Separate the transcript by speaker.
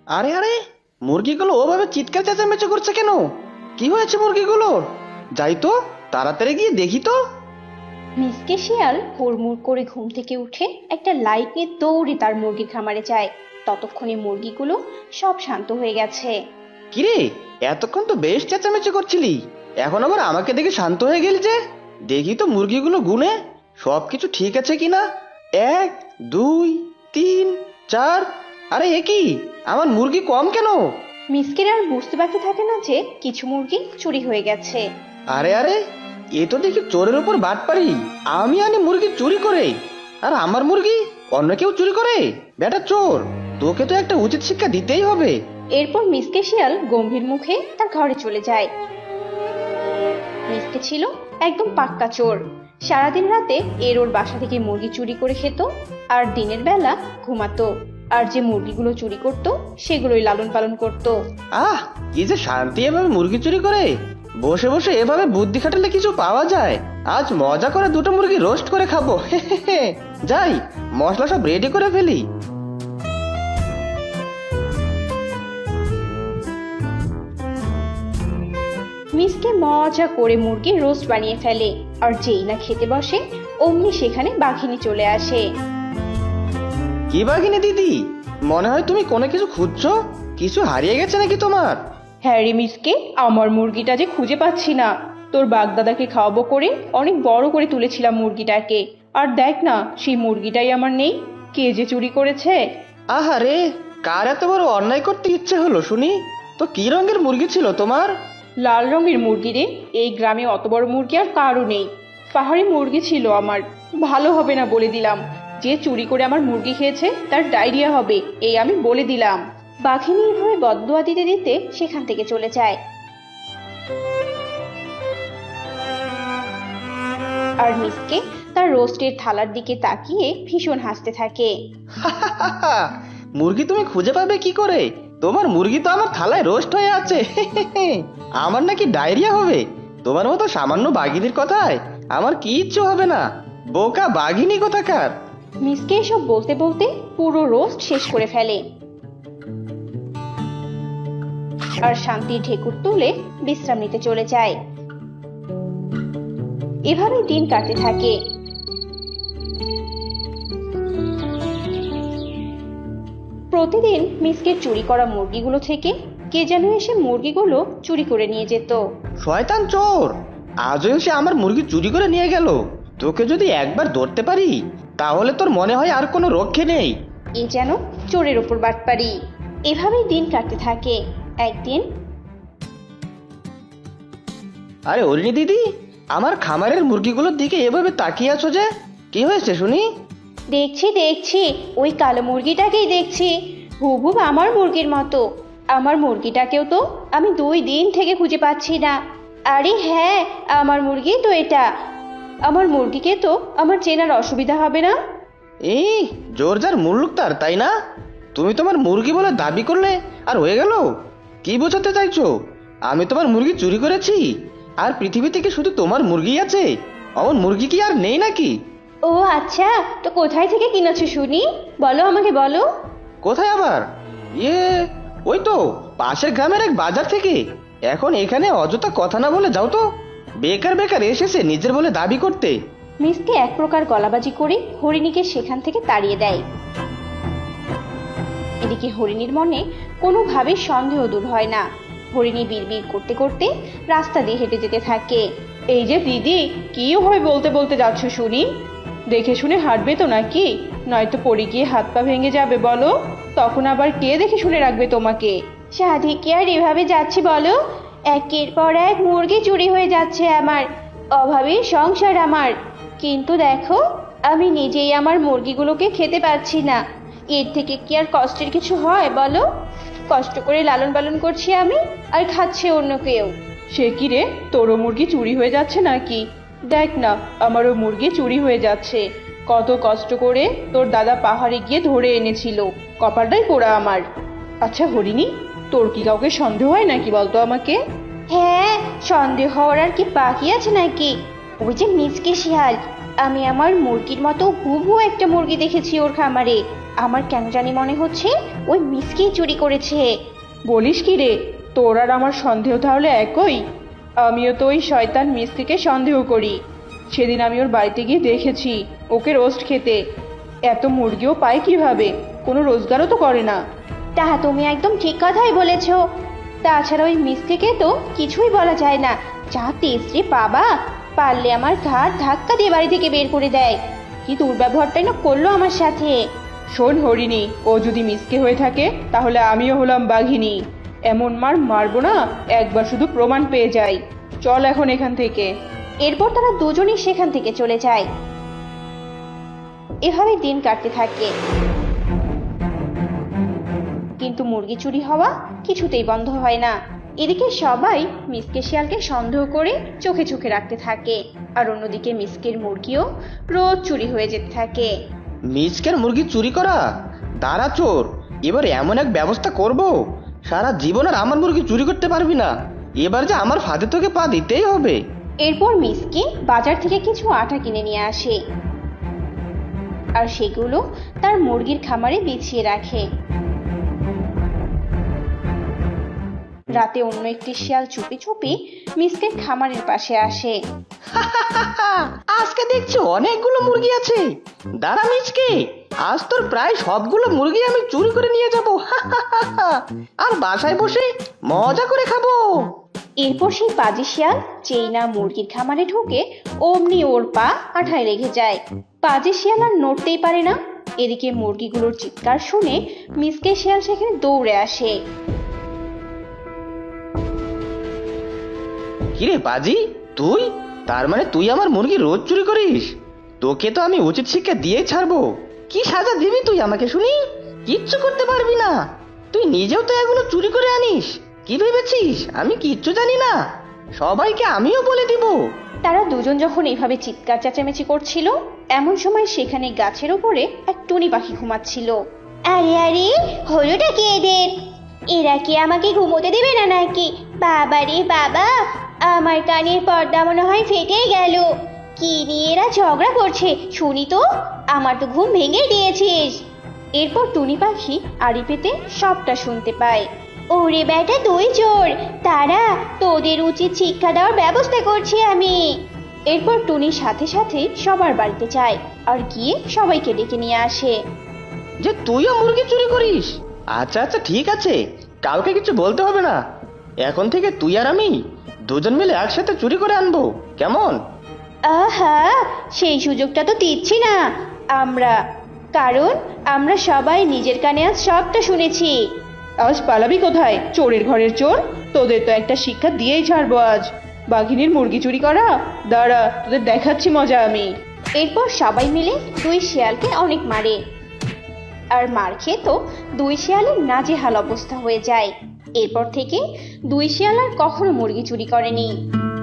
Speaker 1: আরে আরে, মুরগিগুলো ওভাবে চিৎকার চেঁচামেচি করছে কেন? কি হয়েছে মুরগিগুলোর? যাই তো, তাড়াতাড়ি গিয়ে দেখি তো।
Speaker 2: মিসকে শিয়াল হুড়মুড় করে ঘুম থেকে উঠে একটা লাইট নিয়ে দৌড়ে তার মুরগির খামারে যায়। ততক্ষণে মুরগিগুলো সব শান্ত হয়ে গেছে।
Speaker 1: কিরে, এতক্ষণ তো বেশ চেঁচামেচি করছিলি, এখন আবার আমাকে দেখে শান্ত হয়ে গেলি যে? দেখি তো মুরগিগুলো গুনে সবকিছু ঠিক আছে কিনা। 1 2 3 4। আরে এ কি, আমার মুরগি কম কেন?
Speaker 2: মিসকের আর বুঝতে বাকি থাকে না যে কিছু মুরগি চুরি হয়ে গেছে।
Speaker 1: আরে আরে, এ তো দেখি চোরের উপর বাটপারি। আমি আনি মুরগি চুরি করে, আর আমার মুরগি অন্য কেউ চুরি করে? বেটা চোর, তোকে তো একটা উচিত শিক্ষা দিতেই হবে।
Speaker 2: এরপর মিসকে শিয়াল গম্ভীর মুখে তার ঘরে চলে যায়। মিসকে ছিল একদম পাক্কা চোর। সারাদিন রাতে ওর বাসা থেকে মুরগি চুরি করে খেত, আর দিনের বেলা ঘুমাতো। আর যে মুরগিগুলো চুরি করত সেগুলোই লালন পালন করত।
Speaker 1: আহ, কি যে শান্তি এভাবে মুরগি চুরি করে। বসে বসে এভাবে বুদ্ধি খাটালে কিছু পাওয়া যায়। আজ মজা করে দুটো মুরগি রোস্ট করে খাবো। যাই, মশলা সব রেডি করে ফেলি।
Speaker 2: মিসকে মজা করে মুরগির রোস্ট বানিয়ে ফেলে, আর যেই না খেতে বসে অমনি সেখানে বাঘিনী চলে আসে।
Speaker 1: কি বাঘিনী দিদি, মনে হয় তুমি কোনো কিছু খুঁজছো। কিছু হারিয়ে গেছে নাকি তোমার?
Speaker 2: হ্যাঁ রে মিসকে, আমার মুরগিটা যে খুঁজে পাচ্ছি না। তোর বাগদাদাকে খাওয়াবো করে অনেক বড় করে তুলেছিলাম মুরগিটাকে, আর দেখ না সেই মুরগিটাই আমার নেই। কে যে চুরি করেছে!
Speaker 1: আহারে, কার এত বড় অন্যায় করতে ইচ্ছে হলো শুনি। তো কি রঙের মুরগি ছিল তোমার?
Speaker 2: লাল রঙের মুরগি রে। এই গ্রামে অত বড় মুরগি আর কারও নেই। পাহাড়ি মুরগি ছিল আমার। ভালো হবে না বলে দিলাম। যে চুরি করে আমার মুরগি খেয়েছে তার ডায়রিয়া হবে, এই আমি বলে দিলাম। বাঘিনী এভাবে বদদুয়া দিতে দিতে সেখান থেকে চলে যায়। আর মিসকে তার রোস্টের থালার দিকে তাকিয়ে ভীষণ হাসতে থাকে।
Speaker 1: মুরগি তুমি খুঁজে পাবে কি করে? তোমার মুরগি তো আমার থালায় রোস্ট হয়ে আছে। আমার নাকি ডায়রিয়া হবে? তোমার মতো সামান্য বাঘিনীর কথায় আমার কি ইচ্ছে হবে না। বোকা বাঘিনী কোথাকার!
Speaker 2: মিসকে এসব বলতে বলতে পুরো রোস্ট শেষ করে ফেলে, আর শান্তির ঢেকুর তুলে বিশ্রাম নিতে চলে যায়। এভাবে দিন কাটতে থাকে। প্রতিদিন মিসকে চুরি করা মুরগিগুলো থেকে কে যেন এসে মুরগিগুলো চুরি করে নিয়ে যেত।
Speaker 1: শয়তান চোর, আজও এসে আমার মুরগি চুরি করে নিয়ে গেল। তোকে যদি একবার ধরতে পারি তাহলে তোর মনে হয় আর কোনো রক্ষে নেই।
Speaker 2: এ যেন চোরের ওপর বাটপারি। এভাবেই দিন কাটতে থাকে। একদিন,
Speaker 1: আরে অরিনি দিদি, আমার খামারের মুরগিগুলোর দিকে এভাবে তাকিয়ে আছো যে? কি হয়েছে শুনি?
Speaker 2: দেখছি দেখছি, ওই কালো মুরগিটাকেই দেখছি। হুবহুব আমার মুরগির মতো। আমার মুরগিটাকেও তো আমি 2 দিন থেকে খুঁজে পাচ্ছি না। আরে হ্যাঁ, আমার মুরগি তো এটা। আমার মুরগিকে তো আমার চেনার অসুবিধা হবে না?
Speaker 1: এই জোর যার মুল্লুক তার, তাই না? তুমি তোমার মুরগি বলে দাবি করলে আর হয়ে গেল? কি বোঝাতে চাইছো? আমি তোমার মুরগি চুরি করেছি আর পৃথিবী থেকে শুধু তোমার মুরগি আছে? অমন মুরগি কি আর নেই নাকি?
Speaker 2: ও আচ্ছা, তো কোথায় থেকে কিনেছো শুনি? বলো, আমাকে বলো।
Speaker 1: কোথায় আবার? ইয়ে, ওই তো পাশের গ্রামের এক বাজার থেকে। এখন এখানে অযথা কথা না বলে যাও তো। বেকার বেকার এসেছে নিজের বলে দাবি করতে।
Speaker 2: মিসকে এক প্রকার গলাবাজি করে হরিণীকে সেখান থেকে তাড়িয়ে দেয়। এদিকে হরিণীর মনে কোনোভাবে সন্দেহ দূর হয় না। হরিণী বিড়বিড় করতে করতে রাস্তা দিয়ে হেঁটে যেতে থাকে। এই যে দিদি, কি হয় বলতে বলতে যাচ্ছ শুনি? দেখে শুনে হাঁটবে তো নাকি? নয়তো পড়ে গিয়ে হাত পা ভেঙে যাবে বলো। তখন আবার কে দেখে শুনে রাখবে তোমাকে? সাধে কি আর এভাবে যাচ্ছি বলো? একের পর এক মুরগি চুরি হয়ে যাচ্ছে আমার। অভাবের সংসার আমার। কিন্তু দেখো, আমি নিজেই আমার মুরগিগুলোকে খেতে পারছি না। এর থেকে কি আর কষ্টের কিছু হয় বলো? কষ্ট করে লালন পালন করছি আমি, আর খাচ্ছে অন্য কেউ। সে কি রে, তোরও মুরগি চুরি হয়ে যাচ্ছে নাকি? দেখ না, আমারও মুরগি চুরি হয়ে যাচ্ছে। কত কষ্ট করে তোর দাদা পাহাড়ে গিয়ে ধরে এনেছিল। কপালটাই পোড়া আমার। আচ্ছা হরিণী, তোর কি কাউকে সন্দেহ হয় নাকি বলতো আমাকে? হ্যাঁ, সন্দেহ হওয়ার আর কি বাকি আছে নাকি? ওই যে মিচকে শিয়াল, আমি আমার মুরগির মতো হুবহু একটা মুরগি দেখেছি ওর খামারে। আমার কেন জানি মনে হচ্ছে ওই মিসকেই চুরি করেছে।
Speaker 3: বলিস কি রে, তোর আর আমার সন্দেহ তাহলে একই। আমিও তো ওই শয়তান মিসকে সন্দেহ করি। সেদিন আমি ওর বাড়িতে গিয়ে দেখেছি ওকে রোস্ট খেতে। এত মুরগিও পায় কিভাবে? কোনো রোজগারও তো করে না।
Speaker 2: তা তুমি একদম ঠিক কথাই বলেছো। তাছাড়া ওই মিসকে তো কিছুই বলা যায় না, যা তেজরে বাবা, পারলে আমার ঘাড় ধাক্কা দিয়ে বাড়ি থেকে বের করে দেয়। কি দুর্ব্যবহারটাই না করলো আমার সাথে।
Speaker 3: শোন হরিণী, ও যদি মিসকে হয়ে থাকে তাহলে আমিও হলাম বাঘিনী। এমন মার মারবো না, একবার শুধু প্রমাণ পেয়ে যাই। চল এখন এখান থেকে।
Speaker 2: এরপর তারা দুজনেই সেখান থেকে চলে যায়। এভাবে দিন কাটতে থাকে, কিন্তু মুরগি চুরি হওয়া কিছুতেই বন্ধ হয় না। এদিকে সবাই মিসকে শিয়ালকে সন্দেহ করে চোখে চোখে রাখতে থাকে, আর অন্যদিকে মিসকের মুরগিও রোজ চুরি হয়ে যেতে থাকে।
Speaker 1: মিচকের মুরগি চুরি করা? দাঁড়া চোর, এবার এমন এক ব্যবস্থা করব, সারা জীবন আর আমার মুরগি চুরি করতে পারবি না। এবার যে আমার ফাঁদে তোকে পা দিতেই হবে।
Speaker 2: এরপর মিসকে বাজার থেকে কিছু আটা কিনে নিয়ে আসে, আর সেগুলো তার মুরগির খামারে বিছিয়ে রাখে। রাতে অন্য একটি শিয়াল চুপি চুপি মিসকের খামারের পাশে আসে।
Speaker 1: আজকে দেখছি অনেকগুলো মুরগি আছে। দাঁড়া মিচকে, আজ তোর প্রায় সবগুলো মুরগি আমি চুরি করে নিয়ে যাব, আর বাসায় বসে মজা করে খাবো।
Speaker 2: এরপর সেই পাজি শিয়াল যেই না মুরগির খামারে ঢোকে, অমনি ওর পা আঠায় লেগে যায়। পাজি শিয়াল আর নড়তেই পারে না। এদিকে মুরগিগুলোর চিৎকার শুনে মিসকে শিয়াল সেখানে দৌড়ে আসে।
Speaker 1: কিরে পাজি, তুই? তার মানে তুই আমার মুরগি রোজ চুরি করিস? তোকে তো আমি উচিত শিক্ষা দিয়ে ছাড়বো। কি সাজা দিবি তুই আমাকে শুনি? কিচ্ছু করতে পারবি না। তুই নিজেও তো এগুলো চুরি করে আনিস। কি ভেবেছিস আমি কিচ্ছু জানি না? সবাইকে আমিও বলে দিব।
Speaker 2: তারা দুজন যখন এইভাবে চিৎকার চেঁচামেচি করছিল, এমন সময় সেখানে গাছের উপরে এক টুনি পাখি ঘুমাচ্ছিল। আরে আরে, হলোটা কি এদের? এরা কি আমাকে ঘুমোতে দেবে না নাকি? বাবা রে বাবা, আমার কানের পর্দা মনে হয় ফেটে গেল। কি নিয়ে এরা ঝগড়া করছে শুনি তো? আমার তো ঘুম ভেঙে দিয়েছিস। এরপর টুনি পাখি আড়ি পেতে সবটা শুনতে পায়। ওরে বেটা তুই চোর, তারা তোদের উচিত শিক্ষা দেওয়ার ব্যবস্থা করছি আমি। এরপর টুনি সাথে সাথে সবার বাড়িতে যায়, আর গিয়ে সবাইকে ডেকে নিয়ে আসে।
Speaker 1: যে তুইও মুরগি চুরি করিস? আচ্ছা আচ্ছা ঠিক আছে, কাউকে কিছু বলতে হবে না। এখন থেকে তুই আর আমি দুজন মিলে একসাথে চুরি করে আনবো, কেমন?
Speaker 2: আহা, সেই সুযোগটা তো দিচ্ছি না আমরা, কারণ আমরা সবাই নিজের কানে আজ সবটা শুনেছি।
Speaker 3: আজ পালাবি কোথায়, চোরের ঘরের চোর? তোদের তো একটা শিক্ষা দিয়েই ছাড়বো আজ। বাঘিনীর মুরগি চুরি করা, দাঁড়া তোদের দেখাচ্ছি মজা আমি।
Speaker 2: এরপর সবাই মিলে দুই শিয়ালকে অনেক মারে, আর মার খেয়ে তো দুই শিয়ালের নাজেহাল অবস্থা হয়ে যায়। এরপর থেকে দুই শিয়াল আর কখনো মুরগি চুরি করেনি।